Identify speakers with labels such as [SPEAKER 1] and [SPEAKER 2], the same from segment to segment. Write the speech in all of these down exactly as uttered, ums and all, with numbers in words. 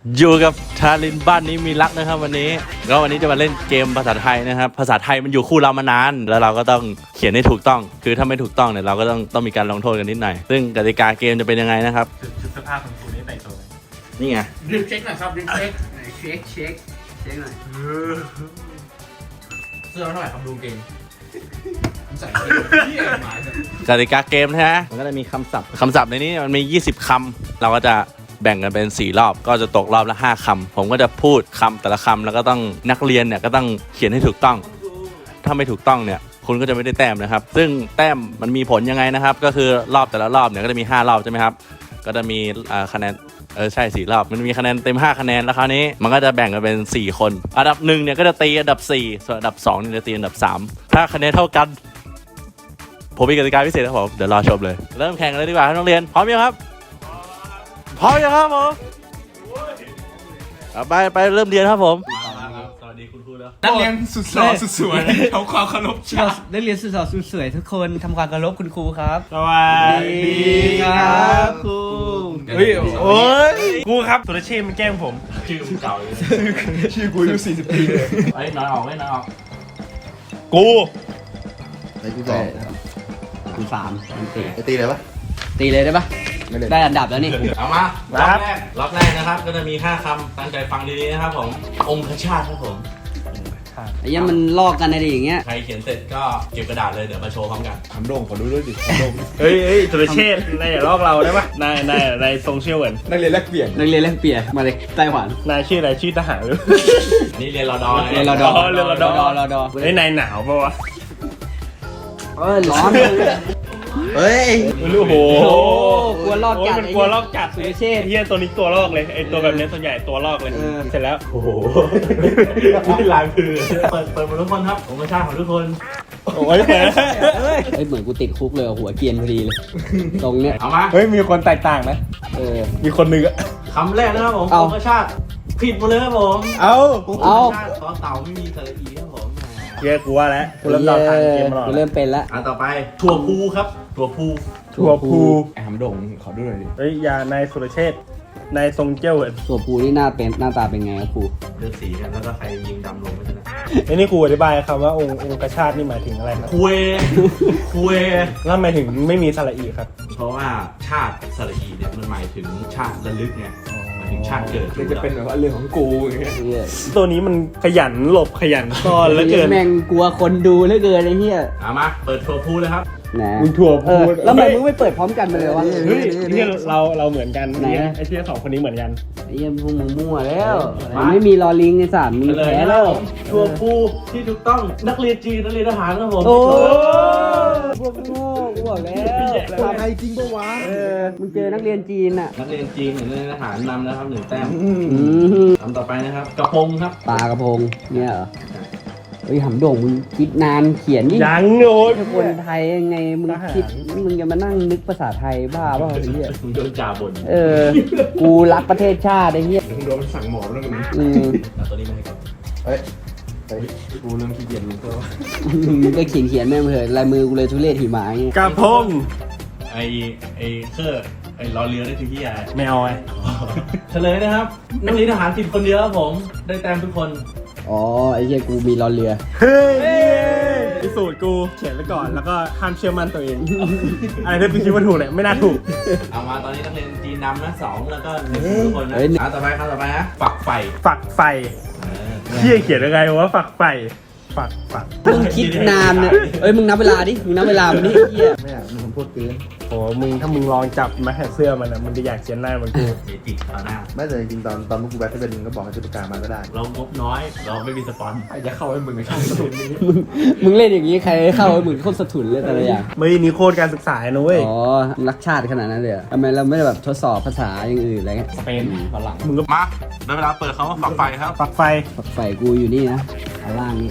[SPEAKER 1] อยู่กับทารินบ้านนี้มีรักนะครับวันนี้แล้ววันนี้จะมาเล่นเกมภาษาไทยนะครับภาษาไทยมันอยู่คู่เรามานานแล้วเราก็ต้องเขียนให้ถูกต้องคือถ้าไม่ถูกต้องเนี่ยเราก็ต้องต้องมีการลงโทษกันนิดหน่อยซึ่งกติกาเกมจะเป็นยังไงนะครับ
[SPEAKER 2] ชุดสภาพของคุณนี่แต่งตัวไหม
[SPEAKER 1] นี่ไง
[SPEAKER 3] ดึงเช็คหน่อยครับดึงเช็คเช็คเช็คเช็คหน่อยเสื้อเท่าไหร่ครับดูเกงใส่ที่หมาย
[SPEAKER 1] กติกาเกมนะฮะมันก็จะมีคำศัพท์คำศัพท์ในนี้มันมียี่สิบคำเราก็จะแบ่งกันเป็นสี่รอบก็จะตกรอบละห้าคำผมก็จะพูดคำแต่ละคำแล้วก็ต้องนักเรียนเนี่ยก็ต้องเขียนให้ถูกต้องถ้าไม่ถูกต้องเนี่ยคุณก็จะไม่ได้แต้มนะครับซึ่งแต้มมันมีผลยังไงนะครับก็คือรอบแต่ละรอบเนี่ยก็จะมีห้ารอบใช่ไหมครับก็จะมีคะแนนเออใช่สี่รอบมันมีคะแนนเต็มห้าคะแนนแล้วคราวนี้มันก็จะแบ่งกันเป็นสี่คนอันดับหนึ่งเนี่ยก็จะตีอันดับสี่ส่วนอันดับสองเนี่ยจะตีอันดับสามถ้าคะแนนเท่ากันผมมีกติกาพิเศษครับผมเดี๋ยวรอชมเลยเริ่มแข่งกันเลยดีกว่านักเรียนพร้อมยังครับพร้อมยังครับผมไปไปเริ่มเรียนครับผมสวัสดีคุณครูแล้ว
[SPEAKER 2] นักเรียนสุดหล่อสุดสวยทำความเคารพชาติ
[SPEAKER 3] นักเรียนสุดหล่อสุดสวยทุกคนทำความเคารพคุณครูครับ
[SPEAKER 2] สวัสดี
[SPEAKER 3] ครับครู
[SPEAKER 2] เฮ้ยโอ้ยครูครับสุรเชษฐ์มันแกล้งผม
[SPEAKER 1] ชื่อเก่าเลย
[SPEAKER 2] ชื่อกูอายุสี่สิบปีเลย
[SPEAKER 1] ไอ้น้อยออกไว้น้อยออก
[SPEAKER 2] กู
[SPEAKER 4] ไอ้ที่สอง
[SPEAKER 3] กูสามตี
[SPEAKER 4] ไอ้ตีเลยปะ
[SPEAKER 3] ตีเลยได้ปะได้อันดับแล้วนี่
[SPEAKER 1] เอามารอบแรกรอบแรกนะครับก็จะมีห้าคำตั้งใจฟังดีๆนะครับผมองคชาติครับผม
[SPEAKER 3] ไอ้ยังมันลอกกันอะไรอย่างเงี้ย
[SPEAKER 1] ใครเขียนเสร็จก็เก็บกระดาษเลยเดี๋ยวมาโชว์พร้อมกัน
[SPEAKER 4] ทำโด่งขอดูด้วยดิทำโด่ง
[SPEAKER 2] เฮ้ยเฮ้ยสุรเชษฐ์นายอย่าลอกเราได้ปะนายนายนายโซเชียลเหมือน
[SPEAKER 4] นักเรียนแลกเปลี่ยน
[SPEAKER 3] นักเรียนแลกเปลี่ยนมาเลยไต้หวัน
[SPEAKER 2] นายชื่ออะไรชื่อทหารหรือ
[SPEAKER 1] นี่เรียนรอดอ
[SPEAKER 3] เรียนรอดอ
[SPEAKER 2] เรียนรอดอ
[SPEAKER 3] รอดอ
[SPEAKER 2] เฮ้ยนายหนาวปะวะ
[SPEAKER 3] เอ้ยร้อน
[SPEAKER 4] เฮ้ย
[SPEAKER 2] โอ้โห
[SPEAKER 3] กลัวลอกจัด
[SPEAKER 2] มันกลัวลอกจัดสุรเชษฐ์เฮียตัวนี้ตัวลอกเลยไอตัวแบบนี้ส่วนใหญ่ตัวลอกเลยเสร็จแล้ว
[SPEAKER 1] โอ้โหนี่ลายคือเปิดเปิดหมดทุกคนครับองคชาติของทุกคน
[SPEAKER 2] โอ้ย
[SPEAKER 3] เฮ้ยเหมือนกูติดคุกเลยหัวเกียนพอดีเลยตรงเนี้ย
[SPEAKER 1] เอามา
[SPEAKER 2] เฮ้ยมีคนแตกต่างนะ
[SPEAKER 3] เออ
[SPEAKER 2] มีคนหนึ่งอะ
[SPEAKER 1] คำแรกนะครับผมองคชาติผิดหมดเลยครับผม
[SPEAKER 2] เอา
[SPEAKER 3] เอา
[SPEAKER 1] ตอนเต่าไม่มีสระอีครับผม
[SPEAKER 2] เยอะกูว่าแล้วกูเริ่มเดาทางเกมมาหรอ
[SPEAKER 3] กูเริ่มเป็นแล้ว
[SPEAKER 1] อันต่อไปถั่วพูครับถั่วพู
[SPEAKER 2] ถั่วพู
[SPEAKER 4] ไอ้ทำโด่งขอดูหน่อยดิ
[SPEAKER 2] เฮ้ยยานายสุรเชษฐ์นายทรงเจ้าเหรอ
[SPEAKER 3] ถั่วพูนี่หน้าเป็นหน้าตาเป็นไงครับครู
[SPEAKER 1] เลือกสีกันแล้วก็ใครยิงดำลงไปนะ
[SPEAKER 2] ไอ้นี่ครูอธิบายคำว่าองค์องค์กชาตินี่หมายถึงอะไรครับ
[SPEAKER 1] คุยคุย
[SPEAKER 2] แล้วหมายถึงไม่มีสระอีครับ
[SPEAKER 1] เพราะว่าชาติสระอีเนี่ยมันหมายถึงชาติระลึกไงหมายถึงชาติเกิด
[SPEAKER 4] มันจะเป็นแบบว่าเรื่องของกูอย่างเงี้ย
[SPEAKER 2] ตัวนี้มันขยันหลบขยันซ่อนแล้วเกิน
[SPEAKER 3] แม่งกลัวคนดูเหลือเกินไอ้เหี้ย
[SPEAKER 1] เอามาเปิดถั่วพูเลยครับ
[SPEAKER 3] นะ
[SPEAKER 2] มึงถั่วพู
[SPEAKER 3] แล้วทำไมมึงไม่เปิดพร้อมกันไปเลยวะ
[SPEAKER 2] เฮ้ยเนี่ยเราเราเหมือนกันไอ้ที่สองคนนี้เหมือนกัน
[SPEAKER 3] ไอ้เหี้ยพวกมึงมั่วแล้วไม่มีลอลิงในสามมีแพ้แล้ว
[SPEAKER 1] ถั่วพูที่ถูกต้องนักเรียนจีนนักเรียนทหารครับผม
[SPEAKER 3] โอ้พวกโง่กูบอกแล้ว
[SPEAKER 4] ทำไมจริงปะวะ
[SPEAKER 3] เออมึงเจอนักเรียนจีนอ่ะ
[SPEAKER 1] นักเรียนจีนนักเรียนทหารนำแล้วครับหนึ่งแต้มคำต่อไปนะครับกระพงครับ
[SPEAKER 3] ปลากระพงเนี่ยเหรอเฮ้ยหำโด่งมึงคิดนานเขียนนี่
[SPEAKER 2] ยังโง่
[SPEAKER 3] คนไทยยังไงมึงคิดมึงจะมานั่งนึกภาษาไทยบ้าเปล่าไอ้เหี้ย
[SPEAKER 1] มึงโดนจ่าบ่น
[SPEAKER 3] เออกูรักประเทศชาติไอ้เหี้ย
[SPEAKER 4] มึงโดนสั่งหมอบแล้วกัน
[SPEAKER 3] อืม
[SPEAKER 1] ตัวนี้ไม่ให้ก่อน
[SPEAKER 4] เฮ้ยเฮ้ยกูเริ่มขี้เกียจมึงก็
[SPEAKER 3] มึงก็เขียนเขียนแม่งเถอะลายมือกูเลยทุเรศหิมะอย่างเงี้ย
[SPEAKER 2] กระพง
[SPEAKER 1] ไอไอเครื่องไอล้อเรือได้คือที่อะไร
[SPEAKER 2] ไม่เอาไง
[SPEAKER 1] เฉลยนะครับนักเรียนทหารผิดคนเดียวครับผมได้แต้มทุกคน
[SPEAKER 3] อ๋อไอ้เหี้ยกูมีล้อเรือ
[SPEAKER 2] เฮ้ยพิสูจน์กูเขียนไว้ก่อนแล้วก็ห้ามเชื่อมั่นตัวเองอะไรที่พี่คิดว่าถูกเนี่ยไม่น่าถูก
[SPEAKER 1] เอามาตอนนี้นักเรียนจีนนำนะสองแล้วก็หนึ่งทุกคนนะอ่ะต่อไปครับต่อไปนะฝักไฟ
[SPEAKER 2] ฝักไฟเฮียเขียนยังไงวะฝักไฟฝักฝัก
[SPEAKER 3] มึงคิดนานเนี่ยเอ้ยมึงนับเวลาดิมึงนับเวลามันนี่เฮีย
[SPEAKER 4] ไม่อยากมึงคำพูดเกิน
[SPEAKER 2] โอ้มึงถ้ามึงลองจับมาแหกเสื้อมันนะมึงจะอยากเขียนหน้ามันกู
[SPEAKER 1] จิกต่อหน้า
[SPEAKER 4] ไม่แต่จริงตอนตอนมึงกูแบทที่เป็นมึงก็บอกให้จุดประกาศมาก็ได้
[SPEAKER 1] เรางบน้อยเราไม่มีสปอน
[SPEAKER 4] จะเข้าให้มึงในช่องสะทุนนี้
[SPEAKER 3] มึงมึงเล่นอย่างนี้ใครเข้าให้มึงโคตรสะทุนเลยแต่ละอย่าง
[SPEAKER 2] ไม่นี่โคตรการศึกษานะเว้ย
[SPEAKER 3] อ๋อรักชาติขนาดนั้นเลยทำไมเราไม่ได้แบบทดสอบภาษาอย่างอื่นอะไรเงี้ย
[SPEAKER 1] สเปนฝรั่งมึงก็มาได้เวลาเปิดเขาว่าฝักไฟครับ
[SPEAKER 2] ฝักไฟ
[SPEAKER 3] ฝักไฟกูอยู่นี่นะข้างล่างนี้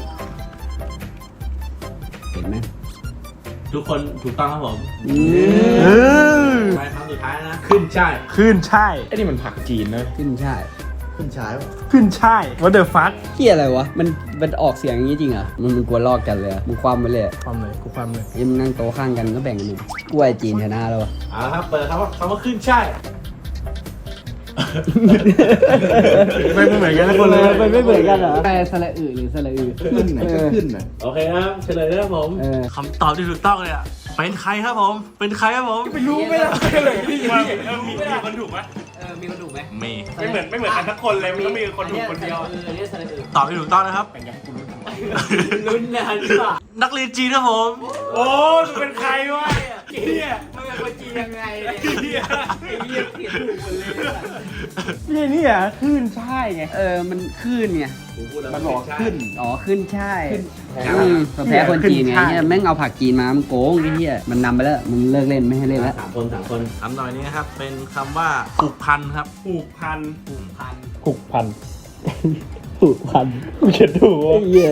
[SPEAKER 3] เห็นไหม
[SPEAKER 1] ทุกคนถูกต้องครับผมใช่คำสุดท้ายนะขึ้นช่าย
[SPEAKER 2] ขึ้นช่าย
[SPEAKER 4] ไอ้นี่มันผักจีนเลย
[SPEAKER 3] ขึ้นช่าย
[SPEAKER 4] ขึ้นช่าย
[SPEAKER 2] ขึ้นช่าย what the fuck
[SPEAKER 3] เหี้ยอะไรวะมันมันออกเสียงอย่างนี้จริงเหรอมึงมึงกลัวลอกกันเลยมึงความไปเลย
[SPEAKER 2] ความเลยกูความเลย
[SPEAKER 3] ยังนั่งโต๊ะข้างกันก็แบ่งกันหนึ่งกล้วยจีนชนะแล้ว
[SPEAKER 1] อ่าครับเปิดครับว่าคำว่าขึ้นช่าย
[SPEAKER 2] ไม่เหมือนกันทุกคน
[SPEAKER 3] เล
[SPEAKER 2] เลย ย
[SPEAKER 3] มันไม่เหมือนกันเหรอแต่สระอือหรือสระอือ
[SPEAKER 4] ขึ้นไหนก็ขึ้นน่ะ
[SPEAKER 1] โอเคครับเฉลยนะครับผม
[SPEAKER 3] เออ
[SPEAKER 1] คำตอบที่ถูกต้องเนี่ยเป็นใครครับผม เป็นใครครับผม
[SPEAKER 2] ไม่รู้ไม่ได้เลยพี่ว่าเออมีมีคนถูกไหม
[SPEAKER 3] เออมีคนถูกไหม
[SPEAKER 1] มี
[SPEAKER 2] ไม่เหมือนไม่เหมือนกันสักคนเลยมันต้องมีคนถูกคนเดียว
[SPEAKER 3] เออเนี่ยสระอือ
[SPEAKER 1] ตอบที่ถูกต้องนะครับ
[SPEAKER 3] ลุ้นนานกว่า
[SPEAKER 1] นักเรียนจีนครับผม
[SPEAKER 2] โอ้มึงเป็นใครวะเนี่ย
[SPEAKER 3] มันเป็นคนจีนยังไงเนี่ยไอ้เหี้ยเขียนถูกหมดเลย
[SPEAKER 2] พี่นี่อ่ะคลื่นใช่ไง
[SPEAKER 3] เออมันขึ้นไง
[SPEAKER 4] มันบอกขึ้น
[SPEAKER 3] อ๋อขึ้นใช่
[SPEAKER 4] แพ้
[SPEAKER 3] อืมแพ้คนจีนไง
[SPEAKER 2] ขึ้นใช่
[SPEAKER 3] เนี่ยแม่งเอาผักจีนมามันโกงไอ้เหี้ยมันนำไปแล้วมึงเลิกเล่นไม่ให้เล่นแล้ว
[SPEAKER 1] สามคนสามคนคำหน่อยนี้นะครับ เป็นคำว่าผูกพันครับ
[SPEAKER 2] ผูกพัน
[SPEAKER 3] ผูกพัน
[SPEAKER 2] ผูกพัน
[SPEAKER 3] ผูกพัน
[SPEAKER 2] กูเขียนถูก
[SPEAKER 3] ไอ้เหี้ย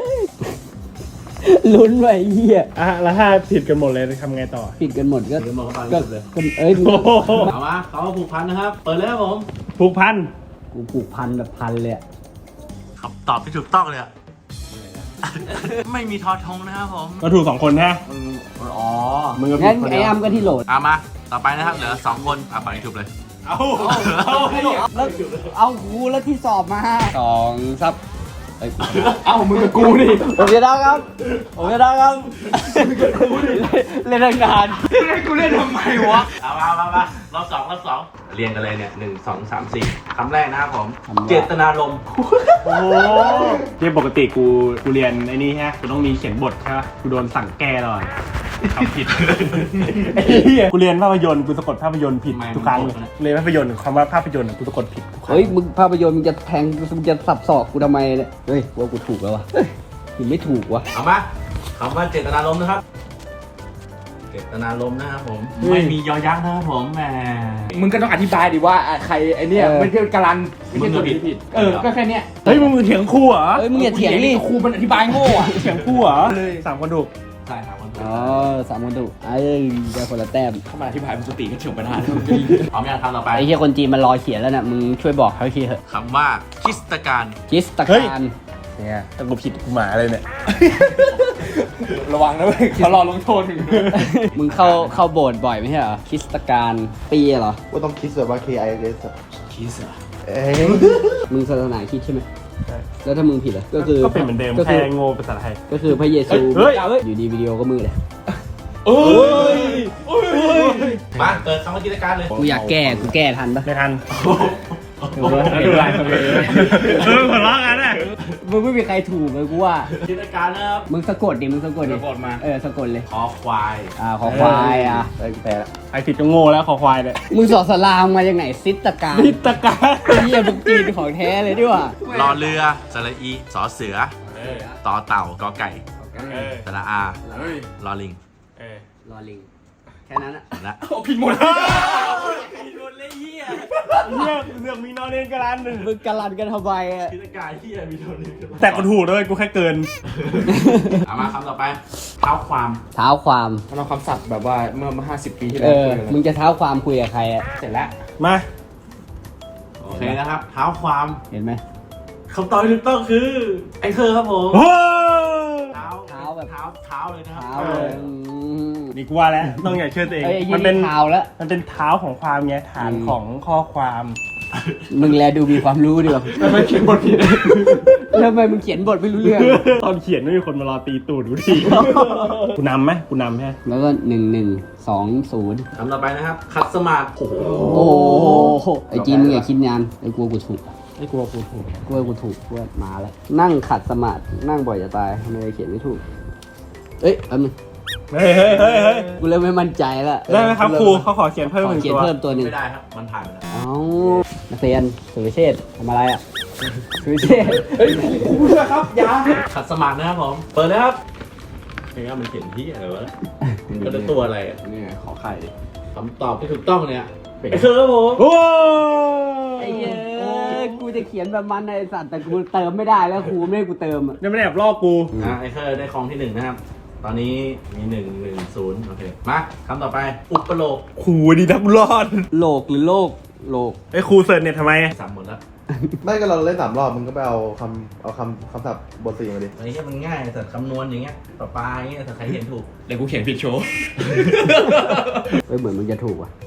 [SPEAKER 3] ลุ้นไว้ไอ้เหี้ย
[SPEAKER 2] อ่ะแล้วถ้าผิดกันหมดเลยทำไงต่อ
[SPEAKER 3] ผิดกันหมดก็
[SPEAKER 1] เดี๋ยวมองเข้าไป
[SPEAKER 3] ก็
[SPEAKER 1] เลย
[SPEAKER 3] ก็เอ้ยมึง
[SPEAKER 2] โอ้โห
[SPEAKER 1] เอามาเขาผูกพันนะครับ เปิดเลยครับผม
[SPEAKER 2] ผูกพัน
[SPEAKER 3] กูผูกพันแบบพันเลยอะ
[SPEAKER 1] คำตอบที่ถูกต้องเลยอะ ไม่มีทอทงนะครับผม
[SPEAKER 2] ก็ถูกสองคนนะ
[SPEAKER 1] อ๋อ
[SPEAKER 2] มึงก็ผิ
[SPEAKER 3] งั้
[SPEAKER 2] ด
[SPEAKER 3] น
[SPEAKER 2] คน
[SPEAKER 3] ไอ้
[SPEAKER 2] เดียว
[SPEAKER 3] อ้ำก็ที่โหลด
[SPEAKER 1] เอามา ต่อไปนะครับ เหลือสองคนอ่ะไปถูกเลย
[SPEAKER 2] เอาเอา
[SPEAKER 3] แล้วเอากูแล้วที่สอบมาสองซับเอ้ย
[SPEAKER 2] เอามึงกับกูดิ
[SPEAKER 3] ผมจะได้ครับ ผมจะได้ครับเล่นตั้งนาน
[SPEAKER 2] ให้กูเล่นทำไมวะ
[SPEAKER 1] เอามามามารอบสองรอบสองเรียงกันเลยเนี่ยหนึ่งสองสามสี่คำแรกนะครับผม
[SPEAKER 3] คำว่า
[SPEAKER 1] เจตนารมณ์
[SPEAKER 2] โอ้ที่ปกติกูกูเรียนไอ้นี่ฮะกูต้องมีเขียนบทใช่ปะกูโดนสั่งแก้ตลอดทำผิดไอ้เหี้ยกูเรียนภาพยนตร์กูสะกดภาพยนตร์ผิดทุกครั้งเรียนภาพยนตร์คำว่าภาพยนตร์กูสะกดผิดทุกครั้ง
[SPEAKER 3] เฮ้ยมึงภาพยนตร์มึงจะแทงมึงจะสับศอกกูทำไมเนี่ยเฮ้ยว่ากูถูกแล้ววะเฮ้ยกูไม่ถูกวะ
[SPEAKER 1] เอามาคำว่าเจตนารมณ์นะครับ เจตนารมณ์นะครับผม ไม่มียอยักษ์นะครับผมแหม
[SPEAKER 4] มึงก็ต้องอธิบายดิว่าอ่ะใครไอเนี่ยไม่ใช่การันไม่ใช่ตัว
[SPEAKER 1] มึงก็ผิด
[SPEAKER 4] ผิดเออก็แค่เนี้ย
[SPEAKER 2] เฮ้ยมึงมือเถียงครูเหรอ
[SPEAKER 3] เฮ้ยมึงอย่าเถียงดิ
[SPEAKER 4] ครูมันอธิบายโง่อะ
[SPEAKER 2] เถียงครูเหรอสามคนถูก
[SPEAKER 1] ใช่ครับคนถูก
[SPEAKER 3] อ๋อสามคนถูกเอ้ยได้คนละแต้ม
[SPEAKER 4] เข้ามาอธิบายปกติก็เถียงปัญหา
[SPEAKER 1] พร้อมยังคำต่อไป
[SPEAKER 3] ไอ้เหี้ยคนจีนมันรอเขียนแล้วน่ะมึงช่วยบอกเขาทีเถอะ
[SPEAKER 1] คำว่าคริสตการ
[SPEAKER 3] จิสต
[SPEAKER 2] เฮ้ย
[SPEAKER 3] การเนี่ย
[SPEAKER 2] แต่กูผิดกูหมาเลยเนี่ย
[SPEAKER 4] ระวังนะเว้ยเขารอลงโทษถึง
[SPEAKER 3] มึงเข้าเข้าโบสถ์บ่อยไม่ใช่เหรอคริสตการปีเหรอ
[SPEAKER 4] ว่าต้องคิดแบบว่า K I S คิดอะเอ้ย
[SPEAKER 3] มึงศาสนาคริดใช่ไหมแล้วถ้ามึงผิดอ่ะก็คือ
[SPEAKER 2] ก็เป็นเหมือนเดิม
[SPEAKER 3] ก็
[SPEAKER 2] แค่
[SPEAKER 3] คือ
[SPEAKER 2] โง่ภาษาไทย
[SPEAKER 3] ก็คือพระเยซู
[SPEAKER 2] เฮ้ยเฮ้ย
[SPEAKER 3] อยู่ดีวิดีโอก็มือเลย
[SPEAKER 2] โอ้ยโอ้ย
[SPEAKER 1] มาเปิดคำว่าคริสตการเลย
[SPEAKER 3] กูอยากแก้กูแก้ทันปะ
[SPEAKER 2] ไม่ทัน
[SPEAKER 3] เออ
[SPEAKER 2] แล้วดูลายตัวเองเออหัวเราะกันอ่ะ
[SPEAKER 3] มึงไม่มีใครถูกเลยกูว่า
[SPEAKER 1] คริสตการนะครับ
[SPEAKER 3] มึงสะกดดิมึงสะกดดิ
[SPEAKER 1] สะกดมา
[SPEAKER 3] เออสะกดเลย
[SPEAKER 1] คอควาย
[SPEAKER 3] อ่าขอควายอ่ะ
[SPEAKER 4] ไอ้แพ้ละ
[SPEAKER 2] ไอผิดก็โง่แล้วคอควายเนี่ย
[SPEAKER 3] มึงสอนสลามมาจากไหนซิตการ
[SPEAKER 2] นิตการ
[SPEAKER 3] เฮียมึงจีนของแท้เลยดิว่ะ
[SPEAKER 1] รอเรือสระอีสอเสือ ต่อเต่ากอไก่
[SPEAKER 2] เออ
[SPEAKER 1] สระอา
[SPEAKER 4] เฮ้ย
[SPEAKER 1] รอลิง
[SPEAKER 2] เออ
[SPEAKER 3] รอลิงแค่นั้นอ่ะ
[SPEAKER 1] และ
[SPEAKER 4] ผิดหมด
[SPEAKER 2] เลือกเลือกมีนอนเรียนกันร้านหนึ่ง
[SPEAKER 3] มึงกะลันกันทำไมอ่ะ
[SPEAKER 1] คริสตการที่มีโดนลิง
[SPEAKER 2] แต่กูถูกด้วยกูแค่เกิน
[SPEAKER 1] เอามาคำต่อไปเท้าความ
[SPEAKER 3] เท้าความ
[SPEAKER 4] มันเอาคำศัพท์แบบว่าเมื่อห้าสิบปีที่
[SPEAKER 3] เอ
[SPEAKER 4] แล้ว
[SPEAKER 3] อ
[SPEAKER 4] คุยกัน
[SPEAKER 3] มึงจะเท้าความคุยกับใครอ่ะ
[SPEAKER 4] เสร็จแล้ว
[SPEAKER 2] มา
[SPEAKER 1] โอเคนะครับ เท้าความ
[SPEAKER 3] เห็นไหม
[SPEAKER 1] คำตอบที่ถูกต้องคือไอ้เธอครับผม
[SPEAKER 2] โอ้
[SPEAKER 1] เท้า
[SPEAKER 3] เท้าแบบ
[SPEAKER 1] เท้าเท้าเลยนะครับ
[SPEAKER 3] เท้าเลยอืม
[SPEAKER 2] นี่กูว่าแล้วต้องอย่าเชื่อตัวเอง
[SPEAKER 3] เอ้ยไอ้ยี่
[SPEAKER 2] มันเป็น
[SPEAKER 3] นี่เท้าแล้ว
[SPEAKER 2] มันเป็นเท้าของความไงฐานของข้อความ
[SPEAKER 3] มึงแลดูมีความรู้ดีกว่า
[SPEAKER 2] ไม่เขียนบทผิด
[SPEAKER 3] แล้วทำไมมึงเขียนบทไม่รู้เรื่อง
[SPEAKER 2] ตอนเขียนไม่มีคนมารอตีตูดกูทีกูนำไหมกูนำใช่ไหม
[SPEAKER 3] แล้วก็หนึ่งหนึ่งสองศูนย์
[SPEAKER 1] คำต่อไปนะครับ คัสมาร์ทโอ้โห
[SPEAKER 3] โอ้โหไอ้จีนมึงอย่าคิดงานไอ้กลัวกูถูก
[SPEAKER 2] ไอ้กลัวกูถูก
[SPEAKER 3] กลัวกูถูกกลัวมาแล้ว นั่งขัดสมาธินั่งบ่อยจะตายทำไมเขียนไม่ถูก เอ้ยแป๊บนึง
[SPEAKER 2] เฮ้ยเฮ้ยเฮ้ยเฮ้ย
[SPEAKER 3] กูเริ่มไม่มั่นใจแล้ว
[SPEAKER 2] ได้ไหมครับครูเขาขอเขียนเพิ่ม
[SPEAKER 3] ข
[SPEAKER 2] ห
[SPEAKER 3] อ
[SPEAKER 2] นึ่ง
[SPEAKER 3] เขียน
[SPEAKER 2] ตัว
[SPEAKER 3] เพิ่มตัวหนึ่ง
[SPEAKER 1] ไม่ได้ครับ มันผ่านไปแล้ว
[SPEAKER 3] เอ้านักเรียนสุรเชษฐ์ทำอะไรอ่ะสุรเชษฐ์
[SPEAKER 4] เฮ้ยครูด้วยครับยา
[SPEAKER 1] คัสมาร์ทนะครับผม เปิดเลยครับเฮ้ยมันเขียนที่อะไรวะมันเป็นตัวอะไรอะ
[SPEAKER 4] เนี่ยขอไข่
[SPEAKER 1] คำตอบที่ถูกต้องเนี่ยไอ้เธอครับผม
[SPEAKER 2] โอ้
[SPEAKER 3] ไอ้เย้ยกูจะเขียนแบบมันไอ้สัตว์แต่กูเติมไม่ได้แล้วครูไม่ให้กูเติมอ่ะ
[SPEAKER 2] ยังไม่ได้แอบลอกกู
[SPEAKER 1] อ่ะไอ้เธอได้ครองที่หนึ่งนะครับ ตอนนี้มีหนึ่งหนึ่งศูนย์โอเค มาคำต่อไป อุปโลก
[SPEAKER 2] ครูดีนักรอด
[SPEAKER 3] โลกหรือโลกโลก
[SPEAKER 2] ไอ้ครูเสิร์ชเนี่ยทำไม
[SPEAKER 1] สามหมดแล้ว
[SPEAKER 4] ไม่ก็เราเล่นสามรอบมึงก็ไปเอาคำเอาคำคำศัพท์บทสี่มาดิ
[SPEAKER 1] ไอ้เนี้ยมันง่ายแต่คำนวณอย่างเงี้ยปลาปลาอย่างเงี้ยแต่ใครเห็นถูก
[SPEAKER 4] เดี๋ยวกูเขียนผิดโชว์
[SPEAKER 3] เอ้ยเหมือนมึงจะถูกว่ะ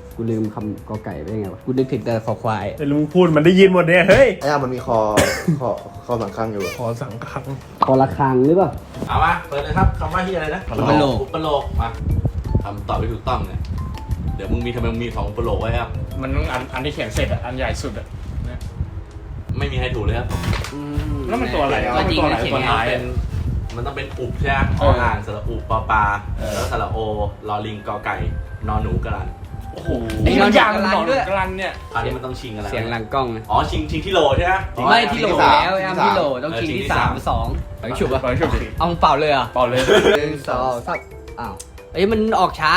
[SPEAKER 3] กูลืมคำกอไก่ไปยังไงวะกูนึกถึงแต่คอควาย
[SPEAKER 2] แต่ลุงพูดมันได้ยินหมดเนี่ยเฮ้ย
[SPEAKER 4] ไอ้อะมันมีคอ คอคอสังคังอยู่อะ
[SPEAKER 2] ขอสังคัง
[SPEAKER 3] คอระฆังหรือเปล่า
[SPEAKER 1] เอามาเปิดเลยครับคำว่าที่อะไรนะ
[SPEAKER 3] อุปโลก
[SPEAKER 1] อุปโลกมาคำตอบไม่ถูกต้องเนี่ยเดี๋ยวมึงมีทำไมมึงมีสองอุปโลกไว้ครับ
[SPEAKER 2] มันต้องอันอันที่เขียนเสร็จอ่ะอันใหญ่สุดอ่ะ
[SPEAKER 1] ไม่มีใครถูกเลยครับ
[SPEAKER 2] แล้วมันตัวอะไรอ่ะ
[SPEAKER 3] ก็จริง
[SPEAKER 2] ตัวไหน
[SPEAKER 3] นะเขียน
[SPEAKER 2] ตัว
[SPEAKER 3] ไง
[SPEAKER 2] ท้าย
[SPEAKER 1] เป็นมันต้องเป็นอุบใช่ไหมออ่างสระอุปอปลาแล้วสระโอลอลิงกอไก่นอนหนูกระลัน
[SPEAKER 2] โอ้โห
[SPEAKER 3] ไอ้มันยาง
[SPEAKER 2] หนอน
[SPEAKER 3] ด้วย
[SPEAKER 2] กลันเนี่ย
[SPEAKER 1] คราวนี้มันต้องชิงอะไร
[SPEAKER 3] เสียงหลังกล้องนะ
[SPEAKER 1] อ๋อชิงชิงที่โหลใช่ไหม
[SPEAKER 3] ไม่ที่โหลแล้วแอมที่โหลต้องคิงที่สามสองไปฉุบอ่ะ
[SPEAKER 2] ไปฉุบสิ
[SPEAKER 3] เอาเปล่าเลยอ่ะ
[SPEAKER 2] เปล่าเลย
[SPEAKER 3] หนึ่งสองสามอ้าวเอ้ยมันออกช้า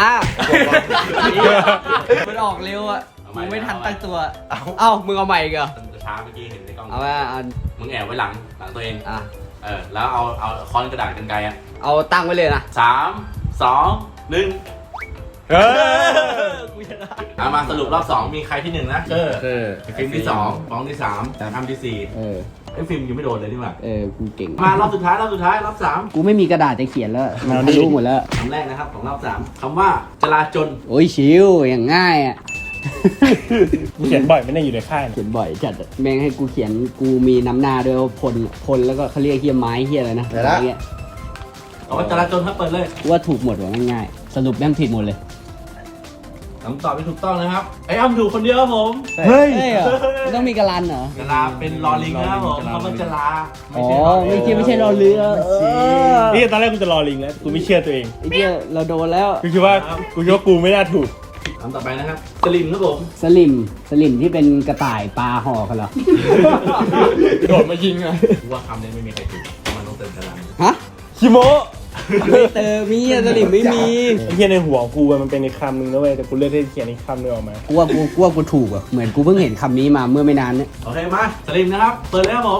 [SPEAKER 3] มันออกเร็วอ่ะมึงไม่ทันตั้งตัว เอ้ามึงเอาใหม่อีกเหรอ
[SPEAKER 1] มันจะช้าเมื่อกี้เห็นในกล้อง
[SPEAKER 3] เอาว่าเอา
[SPEAKER 1] มึงแอบไว้หลังหลังตัวเอง
[SPEAKER 3] อ่ะ
[SPEAKER 1] เออแล้วเอาเอาค้อนกระดาษกันไกลอ่ะ
[SPEAKER 3] เอาตั้งไว้เลยนะ
[SPEAKER 1] สามสองหนึ่ง
[SPEAKER 2] เออ
[SPEAKER 1] เอามาสรุปรอบสองมีใครที่หนึ่งนะเออ
[SPEAKER 3] เออ
[SPEAKER 1] ฟิล์มที่สองฟองที่สามทำที่สี่
[SPEAKER 3] เออ
[SPEAKER 1] ไอ้ฟิล์มยังไม่โดนเลยนี่หว่า
[SPEAKER 3] เออกูเก่ง
[SPEAKER 1] มารอบสุดท้ายรอบสุดท้ายรอบสาม
[SPEAKER 3] กูไม่มีกระดาษจะเขียนแล้วมันทะลุหมดแล้ว
[SPEAKER 1] คำแรกนะครับของรอบสามคำว่าจราจน
[SPEAKER 3] โอ้ยชิวอย่างง่ายอ่ะ
[SPEAKER 2] กูเขียนบ่อยไม่ได้อยู่ในค่าย
[SPEAKER 3] เขียนบ่อยจัดอะแม่งให้กูเขียนกูมีน้ำหน้าด้วยว่าพลพลแล้วก็เขาเรียกเฮียไม้เฮียอะไรนะอะไรเงี้ย
[SPEAKER 1] เอาว่าจราจนครับเปิดเลย
[SPEAKER 3] กูว่าถูกหมดว่ะง่ายๆสรุปแม่งผิดหมดเลย
[SPEAKER 1] คำตอบไม่ถูกต้องนะครับไอ้อ้ำถูกคนเดียวครับผม
[SPEAKER 2] เฮ้ย
[SPEAKER 3] เฮ้ยเหรอต้องมีกระลันเหรอ
[SPEAKER 1] จราเป็นลอลิงนะครับผมคำว่าจรา
[SPEAKER 3] อ๋อไม่ใช่ไม่ใช่รอเรือเออ
[SPEAKER 2] นี่ตอนแรกกูจะรอลิงแล้วกูไม่เชื่อตัวเอง
[SPEAKER 3] ไอ้เหี้ยเราโดนแล้ว
[SPEAKER 2] กูคิดว่ากูคิดว่ากูไม่น่าถูก
[SPEAKER 1] คำต่อไปนะครับสลิมครับผม
[SPEAKER 3] สลิมสลิมที่เป็นกระต่ายปลาห่อกันเหรอ
[SPEAKER 2] โดดมายิงอ่ะ
[SPEAKER 1] กูว่าคำนี้ไม่มีใครถูกเพราะมันต้องเติมจรา
[SPEAKER 3] ฮะ
[SPEAKER 2] คิโมะ
[SPEAKER 3] ไม่เติมมีอะสลิมไม่มี
[SPEAKER 2] ไอ้เหี้ยในหัวกูอะมันเป็นในคำหนึ่งนะเว้ยแต่กูเลือกที่จะเขียนอีกคำหนึงออกมา
[SPEAKER 3] กูว่ากูกูว่ากูถูกอ่ะเหมือนกูเพิ่งเห็นคำนี้มาเมื่อไม่นานเนี่ย
[SPEAKER 1] โอเคมาสลิมนะครับเปิดเลยครับผม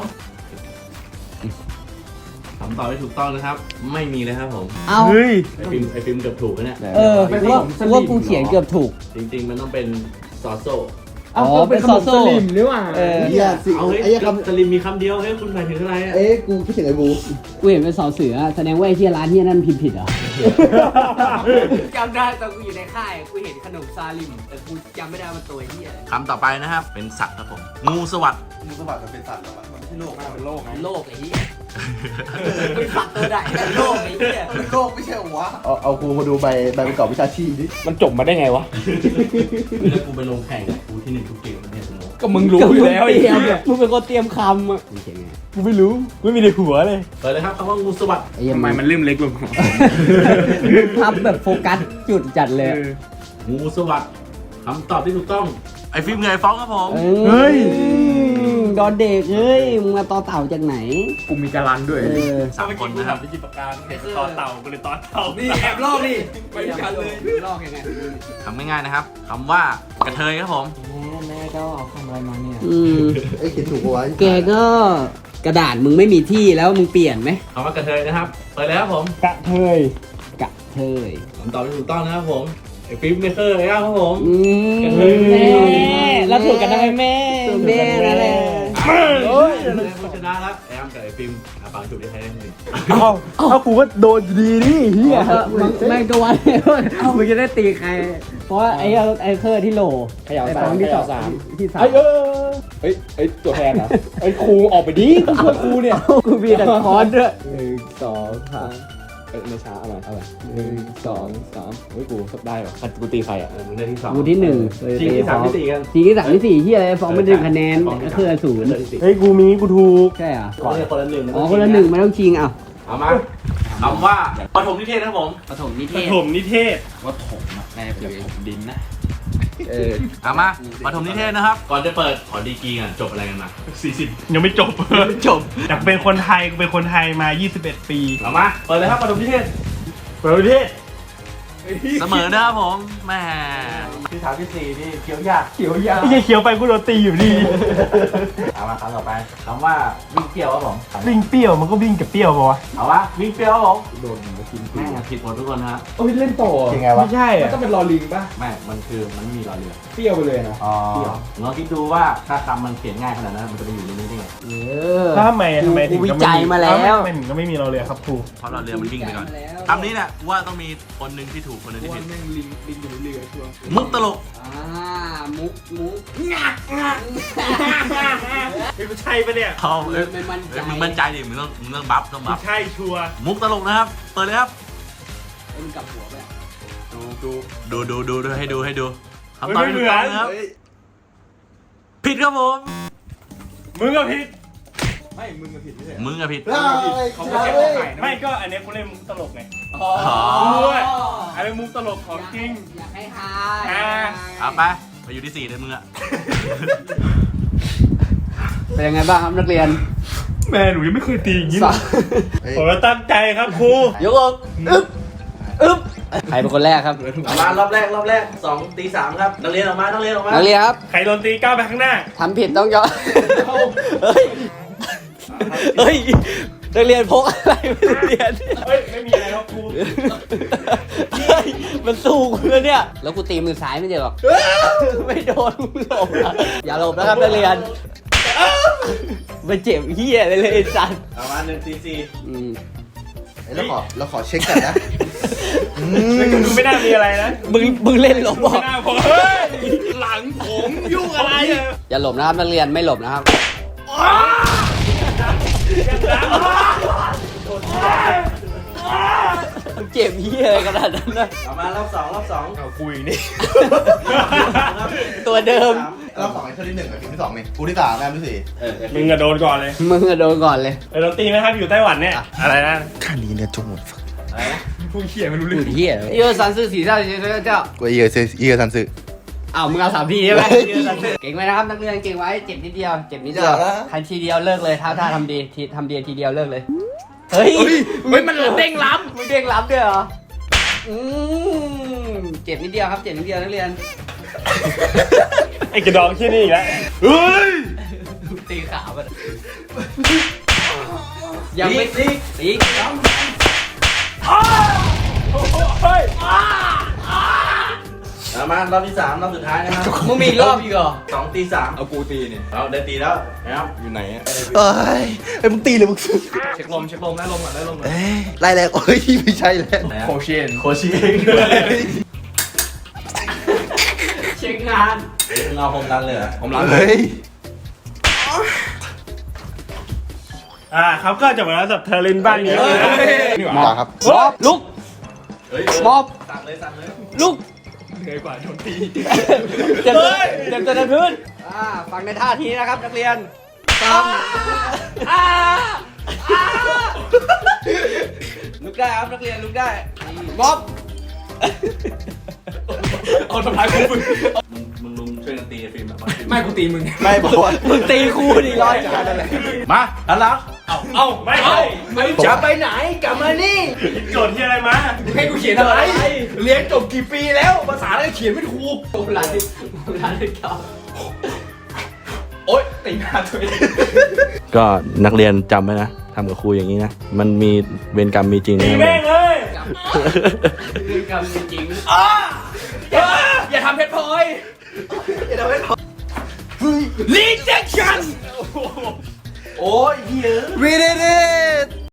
[SPEAKER 1] คำตอบที่ถูกต้องนะครับ ไม่มีเลยครับผม
[SPEAKER 3] เอ้า
[SPEAKER 2] เฮ้ย
[SPEAKER 1] ไอฟิล์มไอฟิล์มเกือบถูกแล้วเนี่ย
[SPEAKER 3] เออกูว่ากูว่ากูเขียนเกือบถูก
[SPEAKER 1] จริงๆ มันต้องเป็นซอโซ
[SPEAKER 3] อ๋อเป็นซอโซ่เออ
[SPEAKER 4] เฮียสิ
[SPEAKER 1] เอาเฮ้ย
[SPEAKER 4] ไอ้เหี้ยค
[SPEAKER 1] สลิมมีคำเดียวเฮ้ยคุณหมายถึงอะไร
[SPEAKER 4] ำ
[SPEAKER 1] อะ
[SPEAKER 4] เอ๊ะกูคิดถึงไอ้บู
[SPEAKER 3] กูเห็นเป็นสอเสือแสดงว่าไอ้ที่ร้านที่นั่นพิมพ์ผิดเหรอ จำได้ตอนกูอยู่ในค่ายกูเห็นขนมซาลิมแต่กูจำไม่ได้ว่าตัวที่อะไร
[SPEAKER 1] คำต่อไปนะครับ เป็นสัตว์ครับผม งูสวัสด์
[SPEAKER 4] งูสวัสดิ์มันเป็นสัตว์เหรอวะมันไม่ใช่โลกนะเป็นโลกไง
[SPEAKER 3] โลกไอ้เหี้ยเป็นสัตว์ตัวใดในโลกไอ้เหี้ย
[SPEAKER 4] เป็นโลกไม่ใช่เหรอวะเอาเอากูมาดูใบใบประกอบวิชาชีพดิ
[SPEAKER 2] มันจบมาได้ไงวะ
[SPEAKER 1] แล้วกูไปลงแข่งกับกูที่หนึ่งทุกเกมมันเนี่ยสนุก
[SPEAKER 2] ก็มึงรู้อยู่แล้วไอ้
[SPEAKER 3] เตรี
[SPEAKER 2] เหี้
[SPEAKER 3] ย
[SPEAKER 2] ย
[SPEAKER 3] มมึงเป็นคนเตรียมคำอ่ะมึงเขียนไง
[SPEAKER 2] กูไม่รู้กูไม่มีในหัวเลย
[SPEAKER 1] เปิดเลยครับคำว่างูสวัสด์
[SPEAKER 3] ไอ้เหี้ย
[SPEAKER 2] ทำไมมันลืมเล็กลง
[SPEAKER 3] พับแบบโฟกัสจุดจัดเลยอะ
[SPEAKER 1] งูสวัสด์คำตอบที่ถูกต้อง ไอฟิล์มเงยฟ้องครับผม
[SPEAKER 2] เฮ้ย
[SPEAKER 3] ดอนเด็กเฮ้ยมึงมาต่อเต่าจากไหน
[SPEAKER 2] กูมีการันด้วย
[SPEAKER 3] เออ
[SPEAKER 1] สามคนนะครับ
[SPEAKER 2] ไปจิบปากกาเห็นตอนเต่ากูเลยตอนเต่า
[SPEAKER 3] นี่แอบลอกนี่ไปกันเลยลอกยังไง
[SPEAKER 1] ทำง่ายๆนะครับคำว่ากระเทยครับผม
[SPEAKER 3] แม่ก็เอาคำอะไรมาเนี่ย
[SPEAKER 4] ไอ้ยเขียนถูกปะวะ
[SPEAKER 3] แกก็กระดาษมึงไม่มีที่แล้วมึงเปลี่ยนไหม
[SPEAKER 1] คำว่ากระเทยนะครับ เปิดเลยครับผม
[SPEAKER 2] กระเทย
[SPEAKER 3] กะเทย
[SPEAKER 1] คำตอบที่ถูกต้องนะครับผม ไอฟิล์มเมเกอร์เลยครับผม
[SPEAKER 3] อืม
[SPEAKER 1] กระเทย
[SPEAKER 3] แม่แล้วถูกกันได้ไหมแม่ถูกแม่นั่นแหละ
[SPEAKER 2] เฮ้ย
[SPEAKER 1] ผู้ชนะแล้วแอมกับไอฟิล์มอาปังจุดที่ใครได้หนึ่ง
[SPEAKER 2] เอ้าเอ้ากูก็โดนอยู่ดีนี่เฮีย
[SPEAKER 3] แม่งก็วันมึงจะได้ตีใคร เพราะว่าไอ้ไอ้เคอร์ที่โหลไอ้ฟองที่สองที่สาม
[SPEAKER 2] ไอ้เออเฮ้ยเฮ้ยตัวแทนนะไอ้ครูออกไปดิกูช่วยครูเนี่ย
[SPEAKER 3] กูมีแต่คอนด้วย
[SPEAKER 2] หนึ่งสองสามเอ้ยไม่ช้าเอาใหม่เอาใหม่หนึ่งสองสามเฮ้ยกูสับได้เหรอคัดกูตีใครอ่ะ
[SPEAKER 1] เออมึงได้ที่สอง
[SPEAKER 3] กูที่หนึ่ง
[SPEAKER 1] ทีที่สามที่สี่กัน
[SPEAKER 3] ทีที่สามที่สี่ที่อะไรฟองไม่ได้คะแนนก็คือศูนย์
[SPEAKER 2] เฮ้ยกูมีกูถูก
[SPEAKER 3] ใช่เหรอ
[SPEAKER 1] ขอเลยคนละหนึ่ง
[SPEAKER 3] อ๋อคนละหนึ่งไม่ต้องชิงอ่ะ
[SPEAKER 1] เอามาคำว่าปฐมนิเทศนะครับผม
[SPEAKER 3] ปฐมนิเท
[SPEAKER 2] ป
[SPEAKER 3] ศ
[SPEAKER 2] ฐมนิเทศ
[SPEAKER 5] ว่าถมอะน่าจะเป็นถมดินนะ
[SPEAKER 3] เออ
[SPEAKER 1] เอามาปฐมนิเทศนะครับ ก่อนจะเปิดขอดีกรีกันจบอะไรกันมา
[SPEAKER 2] สี่สิบยังไม่จบ
[SPEAKER 1] จบ
[SPEAKER 2] อยากเป็นคนไทยกูเป็นคนไทยมายี่สิบเอ็ดปี
[SPEAKER 1] เอามาเปิดเลยครับปฐมนิเทศ
[SPEAKER 2] เปิดประเทศ
[SPEAKER 1] เสมอนะครับผมแหม่
[SPEAKER 4] ที่สามที่สี่นี่เคี้ยวยาก
[SPEAKER 3] เขียวยา
[SPEAKER 2] ไม่ใช่เคี้ยวไปกูโดนตีอยู่ดี
[SPEAKER 1] เอามาคำต่อไปคำว่าวิ่งเปรี้ยวครับผม
[SPEAKER 2] วิ่งเปรี้ยวมันก็วิ่งกับเปรี้ยวปะวะ
[SPEAKER 1] เอาวะวิ่งเปรี้ยวครับผม
[SPEAKER 4] โดนมากิน
[SPEAKER 1] แม่งผิดหมดทุกคนนะครับ
[SPEAKER 5] โอ้ยเล่นต่อ
[SPEAKER 4] จริงไงวะ
[SPEAKER 2] ไม่ใช่
[SPEAKER 5] มัน
[SPEAKER 2] อะ
[SPEAKER 5] ต้องเป็นรอลิงป่ะ
[SPEAKER 1] แม่งมันคือมันไม่มีรอเรือ
[SPEAKER 5] เปรี้ยวไปเลยนะ
[SPEAKER 4] อ๋อ
[SPEAKER 1] เปรี้ยวลองคิดดูว่าถ้าคำมันเขียนง่ายขนาดนั้นมันจะไปอยู่ในนี้ได้ไง
[SPEAKER 3] เออ
[SPEAKER 2] แล้วทำไมทำไมถึง
[SPEAKER 3] กูวิ
[SPEAKER 2] ก็ไม่
[SPEAKER 3] จัยมาแล้ว
[SPEAKER 2] ทำไมถึงก็ไม่มีเราเลยครับครู
[SPEAKER 1] เพราะรอเรือมันวิ่งไปก่อน
[SPEAKER 3] แล้ว
[SPEAKER 1] คำนี้เนี่ยกูว่าต้องมีคนหนึ่งที่ถูกถูกคนหนึงที่ผิด
[SPEAKER 3] แม่งลิงลิงอยู่ในเรือชัวร์
[SPEAKER 1] มุกตลก
[SPEAKER 3] อ่ามุกมุก
[SPEAKER 2] งักงักนี่กูใช่ปะเนี่ย
[SPEAKER 1] เอาเอ้ย
[SPEAKER 3] ไม่มั่นใจ
[SPEAKER 1] เอ้ยมึงมั่นใจดิมึงต้องมึงต้องบัฟต้อง
[SPEAKER 2] กู
[SPEAKER 1] บัฟ
[SPEAKER 2] ใช่ชัวร์
[SPEAKER 1] มุกตลกนะครับ เปิดเลยครับ
[SPEAKER 3] เอ็มงกลับหัวไปอะ
[SPEAKER 2] ดูดู
[SPEAKER 1] ดูดูดูดูให้ดูให้ดูคำตอบที่ถูกต้องนะครับ
[SPEAKER 4] เฮ้ย
[SPEAKER 1] ผิดครับผม
[SPEAKER 2] มึงก็ผิด
[SPEAKER 5] ไม่มึงก็ผิดไม่ใช่
[SPEAKER 1] มึงอะผิด
[SPEAKER 5] เขาไม่ใช่ของไข่นะ
[SPEAKER 2] ไม่ก็อันเนี้ยกูเล่นมุกตลกไง
[SPEAKER 3] อ๋อ
[SPEAKER 2] ด้วย อันนี้มุกตลกของจริง
[SPEAKER 3] อยากให้ฮา
[SPEAKER 2] อ่า
[SPEAKER 1] เอาไปไปอยู่ที่สี่เลยมึงอะ
[SPEAKER 3] เป็นยังไงบ้างครับนักเรียน
[SPEAKER 2] แม่หนูยังไม่เคยตีอย่างนี้
[SPEAKER 3] สาม
[SPEAKER 4] เฮ้ย
[SPEAKER 2] ผมก็ตั้งใจครับครู
[SPEAKER 3] ยกอกอึ๊บอึ๊บใครเป็นคนแรกครับ
[SPEAKER 1] เอามารอบแรกรอบแรกสองตีสามครับนักเรียนออกมานักเรียนออกมา
[SPEAKER 3] นักเรียนครับ
[SPEAKER 2] ใครโดนตีก้าวไปข้างหน้า
[SPEAKER 3] ทำผิดต้องย้อนเฮ้ยเฮ้ยนักเรียนพกอะไรไม่เรียน
[SPEAKER 2] เฮ้ย ไม่มีอะไรครับครู
[SPEAKER 3] เฮ้ยมันสู้กูแล้วเนี่ย แล้วกูตีมือซ้ายไม่เจอหรอกไม่โดนมึงหลบอะอย่าหลบนะครับนักเรียนมันเจ็บเหี้ยเลยเลยไอ้สัส
[SPEAKER 1] เอามาหนึ่งตีสี่
[SPEAKER 3] อืม
[SPEAKER 4] เฮ้ยเราขอเราขอเช็คกันนะอืม
[SPEAKER 2] ดูไม่น่ามีอะไรนะ
[SPEAKER 3] มึงมึงเล่นหลบบอก
[SPEAKER 2] ไม่น่าพอเฮ้ย หลังผมยุ่งอะไรอะ
[SPEAKER 3] อย่าหลบนะครับนักเรียนไม่หลบนะครับ มันเจ็บเหี้ยอะไรขนาดนั้นนะ
[SPEAKER 1] เอามารอบสองรอบสอง
[SPEAKER 2] เอาคุยนี่
[SPEAKER 3] ตัวเดิม
[SPEAKER 4] เราสองไอ้เท่าที่หนึ่งกับทีมที่สองนี่กูที่สามแอมที่สี่
[SPEAKER 1] เออ
[SPEAKER 2] มึงอะโดนก่อนเลย
[SPEAKER 3] มึงอะโดนก่อนเลย
[SPEAKER 2] เออเราตีไหมครับอยู่ไต้หวันเนี่ย อะไรนะ
[SPEAKER 4] ข้านี้เนี่ยจงหมด
[SPEAKER 1] อะไรนะ
[SPEAKER 2] พูดเขี่ยไม่รู้
[SPEAKER 3] ห
[SPEAKER 2] เรื่
[SPEAKER 3] ลุ
[SPEAKER 2] อง
[SPEAKER 3] ดเหี้ยเยอะสันสื่อสีเจ้าเจ้าเจ้า
[SPEAKER 4] กูเอียเซเอียซันซึ
[SPEAKER 3] อ้าวมึงเอาสามทีใช่ไหม
[SPEAKER 4] เฮ้ย
[SPEAKER 3] เก่งไหมนะครับนักเรียนเก่งไว้เจ็บนิดเดียวเจ็บนิดเดียว
[SPEAKER 4] อย่านะ
[SPEAKER 3] ใครทีเดียวเลิกเลยถ้าถ้าทำดีทีทำดีทีเดียวเลิกเลยเฮ้ย
[SPEAKER 2] เฮ้ยมันเด้งล้ำ
[SPEAKER 3] มึงเด้งรับด้วยเหรออืมเจ็บนิดเดียวครับเจ็บนิดเดียวนักเรียน
[SPEAKER 2] ไอ้กระดองที่นี่อีกแล้วเฮ้ย
[SPEAKER 3] ตีขาไปยังไม่ตีตีซ้ำ
[SPEAKER 2] เฮ้ย
[SPEAKER 1] เอามารอบที่สามรอบสุดท้ายนะครับ
[SPEAKER 3] มึงมีอีกรอบอีกเหรอ
[SPEAKER 1] สองตีสาม
[SPEAKER 5] เอากูตีเนี่ย
[SPEAKER 1] เอาได้ตีแล้วนะครับอยู่ไหนอะ
[SPEAKER 4] เอ้ยไอ้มึงตีเลยมึง
[SPEAKER 5] เช็คลมเช็คลมได้ลมก่อนได้ลมก่อน
[SPEAKER 4] เอ้ยไล่แรงโอ้ยไม่ใช่แล้ว
[SPEAKER 1] ไหนอะ
[SPEAKER 5] โคเชน
[SPEAKER 1] โคชิเองด้วย
[SPEAKER 3] เช็คงาน
[SPEAKER 1] มึงเอาผมดันเลยเหรอ
[SPEAKER 5] ผมล้าง
[SPEAKER 4] เฮ้ย
[SPEAKER 2] อ่าครับก็จบแล้วสำหรับเทอร์ลินบ้านนี้
[SPEAKER 5] นี่ห
[SPEAKER 4] มา
[SPEAKER 5] ว่า
[SPEAKER 4] ครับ
[SPEAKER 3] มอบลุก
[SPEAKER 1] เฮ้ย
[SPEAKER 3] มอบ
[SPEAKER 1] สั่งเลยสั่งเลย
[SPEAKER 3] ลุก
[SPEAKER 2] เหนื่อยกว่าโดนตี
[SPEAKER 3] เจ็บตัวเจ็บตัวในพื้นอ่าฟังในท่าทีนะครับนักเรียนตามอ่าอ่าลุกได้ครับนักเรียนลุกได้มอบ
[SPEAKER 5] เอาทำลายกูมึง
[SPEAKER 1] มึงมึงลุงช่วยกันตีไอ้ฟิล์มแบบว่า
[SPEAKER 5] ไม่กูตีมึง
[SPEAKER 4] ไม่บอกว่า
[SPEAKER 3] มึงตีคู่ดิร้อยจัง
[SPEAKER 1] มาหันหลัง
[SPEAKER 2] เอาเอาไม่ใช่
[SPEAKER 5] ไม่จะไปไหนกลับมานี่
[SPEAKER 2] โจทย์ที่อะไรมา
[SPEAKER 5] ให้กูเขียนอะไร เรียนจบกี่ปีแล้วภาษาอะไรเขียนไม่ถูก
[SPEAKER 3] โบราณโบราณเก่า
[SPEAKER 5] โอ๊ยตีหน้าตัวเอง
[SPEAKER 1] ก็นักเรียนจำไว้นะทำกับครูอย่างนี้นะ มันมีเวรกรรมมีจริง
[SPEAKER 2] ตี
[SPEAKER 1] นะ
[SPEAKER 2] แม่งเลย
[SPEAKER 3] เรื่องกรรมจริง
[SPEAKER 5] อย่าอย่าทำเพชรพลอยอย่าทำเพชรพลอยรีเจคชั่น
[SPEAKER 1] โอ้ยเหี้ย
[SPEAKER 4] We did it